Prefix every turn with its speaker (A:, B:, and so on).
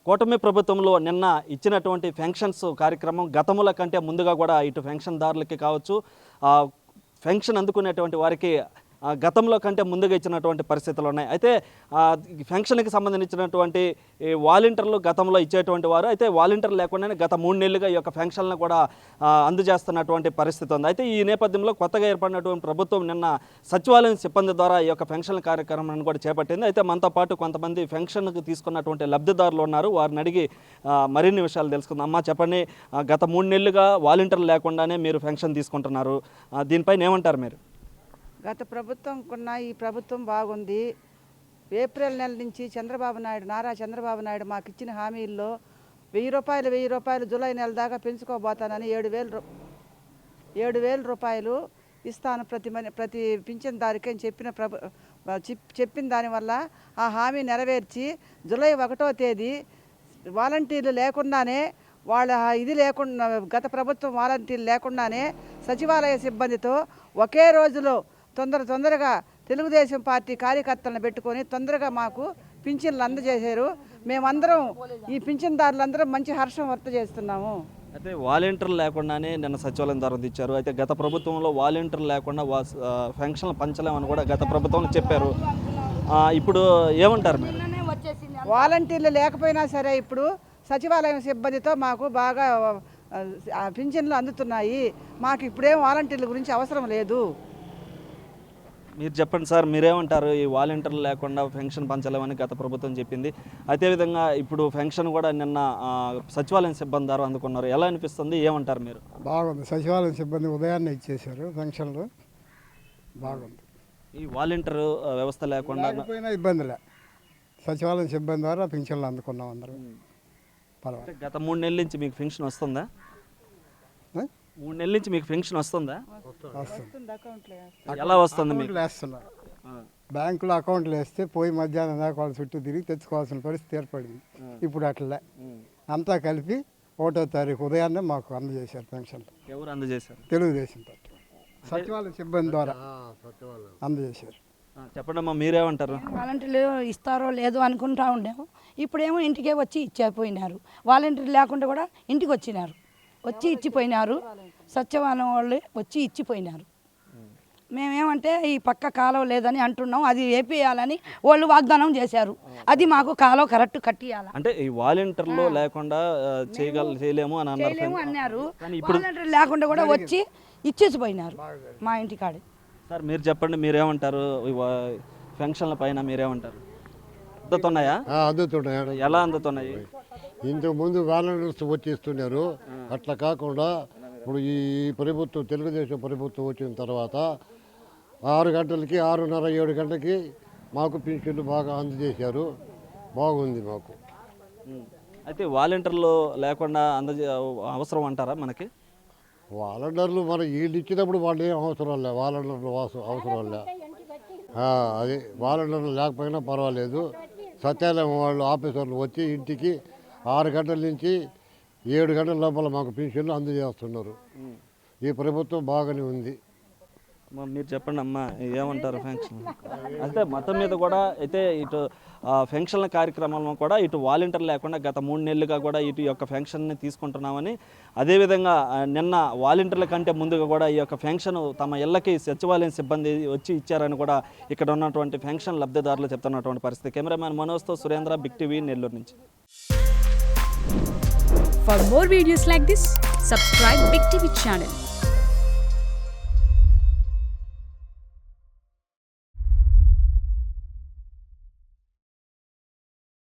A: కూటమి ప్రభుత్వంలో నిన్న ఇచ్చినటువంటి పెన్షన్స్ కార్యక్రమం గతముల కంటే ముందుగా కూడా ఇటు పెన్షన్దారులకి కావచ్చు, పెన్షన్ అందుకునేటువంటి వారికి గతంలో కంటే ముందుగా ఇచ్చినటువంటి పరిస్థితులు ఉన్నాయి. అయితే పెన్షన్కి సంబంధించినటువంటి వాలంటీర్లు గతంలో ఇచ్చేటువంటి వారు, అయితే వాలంటీర్లు లేకుండానే గత 3 నెలలుగా ఈ యొక్క పెన్షన్లను కూడా అందజేస్తున్నటువంటి పరిస్థితి ఉంది. అయితే ఈ నేపథ్యంలో కొత్తగా ఏర్పడినటువంటి ప్రభుత్వం నిన్న సచివాలయం సిబ్బంది ద్వారా ఈ యొక్క పెన్షన్ కార్యక్రమాన్ని కూడా చేపట్టింది. అయితే మనతో పాటు కొంతమంది పెన్షన్కి తీసుకున్నటువంటి లబ్ధిదారులు ఉన్నారు. వారిని అడిగి మరిన్ని విషయాలు తెలుసుకుందాం. అమ్మా చెప్పండి, గత 3 నెలలుగా వాలంటీర్లు లేకుండానే మీరు పెన్షన్ తీసుకుంటున్నారు, దీనిపైన ఏమంటారు మీరు?
B: గత ప్రభుత్వం కన్నా ఈ ప్రభుత్వం బాగుంది. ఏప్రిల్ నెల నుంచి నారా చంద్రబాబు నాయుడు మాకు ఇచ్చిన హామీల్లో 1000 రూపాయలు జూలై నెల దాకా పెంచుకోబోతానని 7,000 రూపాయలు ఇస్తాను ప్రతి పింఛన్దారికి అని చెప్పిన దానివల్ల ఆ హామీ నెరవేర్చి జూలై 1వ తేదీ వాలంటీర్లు లేకుండానే గత ప్రభుత్వం వాలంటీర్లు లేకుండానే సచివాలయ సిబ్బందితో ఒకే రోజులో తొందరగా తెలుగుదేశం పార్టీ కార్యకర్తలను పెట్టుకొని తొందరగా మాకు పింఛన్లు అందజేశారు. మేమందరం ఈ పింఛన్దారులందరం మంచి హర్షం వ్యక్తం చేస్తున్నాము.
A: అయితే వాలంటీర్లు లేకుండానే నిన్న సచివాలయం ద్వారా ఇచ్చారు. అయితే గత ప్రభుత్వంలో వాలంటీర్లు లేకుండా పెన్షన్లు పంచలేమని కూడా గత ప్రభుత్వం చెప్పారు. ఇప్పుడు ఏమంటారు మీరు?
B: వాలంటీర్లు లేకపోయినా సరే ఇప్పుడు సచివాలయం సిబ్బందితో మాకు బాగా పింఛన్లు అందుతున్నాయి. మాకు ఇప్పుడేం వాలంటీర్ల గురించి అవసరం లేదు.
A: మీరు చెప్పండి సార్, మీరేమంటారు? ఈ వాలంటీర్లు లేకుండా పెన్షన్ పంచలేమని గత ప్రభుత్వం చెప్పింది. అదేవిధంగా ఇప్పుడు పెన్షన్ కూడా నిన్న సచివాలయం సిబ్బంది ద్వారా అందుకున్నారు. ఎలా అనిపిస్తుంది, ఏమంటారు మీరు?
C: బాగుంది. సచివాలయం సిబ్బంది ఉదయాన్నే ఇచ్చేశారు పెన్షన్లు. బాగుంది.
A: ఈ వాలంటీర్ వ్యవస్థ లేకుండా
C: ఇబ్బందిలే, సచివాలయం సిబ్బంది ద్వారా పెన్షన్లు అందుకున్నాం అందరం. పర్వాలేదు.
A: గత 3 నెలల నుంచి మీకు పెన్షన్ వస్తుందా? 3 నెలల నుంచి మీకు పెన్షన్ వస్తుందా? ఎలా వస్తుంది? మీకు
C: వేస్తున్నారు. బ్యాంకులో అకౌంట్లు వేస్తే పోయి మధ్యాహ్నం దాకా వాళ్ళ చుట్టూ తిరిగి తెచ్చుకోవాల్సిన పరిస్థితి ఏర్పడింది. ఇప్పుడు అట్లే అంతా కలిపి 1వ తారీఖు ఉదయాన్నే మాకు అందజేశారు పెన్షన్లు.
A: ఎవరు అందజేశారు?
C: తెలుగుదేశం పార్టీ సచివాలయ సిబ్బంది ద్వారా అందజేశారు.
A: చెప్పండి అమ్మా, మీరేమంటారు?
D: వాలంటీర్లు ఇస్తారో లేదో అనుకుంటా ఉండేమో, ఇప్పుడేమో ఇంటికే వచ్చి ఇచ్చిపోయినారు. వాలంటీర్లు లేకుండా కూడా ఇంటికి వచ్చి ఇచ్చిపోయినారు. సచివాలయం వాళ్ళు వచ్చి ఇచ్చిపోయినారు. మేమేమంటే ఈ పక్క కాలువ లేదని అంటున్నాం, అది వేపియాలని వాళ్ళు వాగ్దానం చేశారు. అది మాకు కాలువ కరెక్ట్ కట్టియాలి
A: అంటే ఈ వాలంటీర్లు లేకుండా చేయలేము అని
D: అన్నారు. వాలంటీర్లు లేకుండా కూడా వచ్చి ఇచ్చేసిపోయినారు మా ఇంటికాడే.
A: సార్ మీరు చెప్పండి, మీరేమంటారు? పెన్షన్ల పైన మీరేమంటారు? అందుతున్నాయా?
E: అందుతున్నాయి.
A: ఎలా అందుతున్నాయి?
E: ఇంతకుముందు వాలంటీర్స్ వచ్చేస్తున్నారు. అట్లా కాకుండా ఇప్పుడు ఈ ప్రభుత్వం తెలుగుదేశం ప్రభుత్వం వచ్చిన తర్వాత 6 గంటలకి 6:30 7 గంటలకి మాకు పింఛన్లు బాగా అందజేశారు. బాగుంది మాకు.
A: అయితే వాలంటీర్లు లేకుండా అవసరం అంటారా మనకి?
E: వాలంటీర్లు మనం వీళ్ళు ఇచ్చినప్పుడు వాళ్ళు ఏం అవసరం లే, వాలంటీర్లు అవసరం లే. అది వాలంటీర్లు లేకపోయినా పర్వాలేదు. సచివాలయం వాళ్ళు ఆఫీసర్లు వచ్చి ఇంటికి 6 గంటల నుంచి 7 గంటల లోపల మాకు పెన్షన్లు అందజేస్తున్నారు. ఈ ప్రభుత్వం బాగానే ఉంది.
A: మీరు చెప్పండి అమ్మా, ఏమంటారు పెన్షన్? అంటే మొత్తం మీద కూడా అయితే ఇటు పెన్షన్ల కార్యక్రమంలో కూడా ఇటు వాలంటీర్ లేకుండా గత 3 నెలలుగా కూడా ఇటు యొక్క పెన్షన్ని తీసుకుంటున్నామని, అదేవిధంగా నిన్న వాలంటీర్ల కంటే ముందుగా కూడా ఈ యొక్క పెన్షన్ తమ ఇళ్ళకి సచివాలయం సిబ్బంది వచ్చి ఇచ్చారని కూడా ఇక్కడ ఉన్నటువంటి పెన్షన్ లబ్ధిదారులు చెప్తున్నటువంటి పరిస్థితి. కెమెరామ్యాన్ మనోజ్తో సురేంద్ర, బిగ్ టీవీ, నెల్లూరు నుంచి.
F: For more videos like this, subscribe Big TV channel.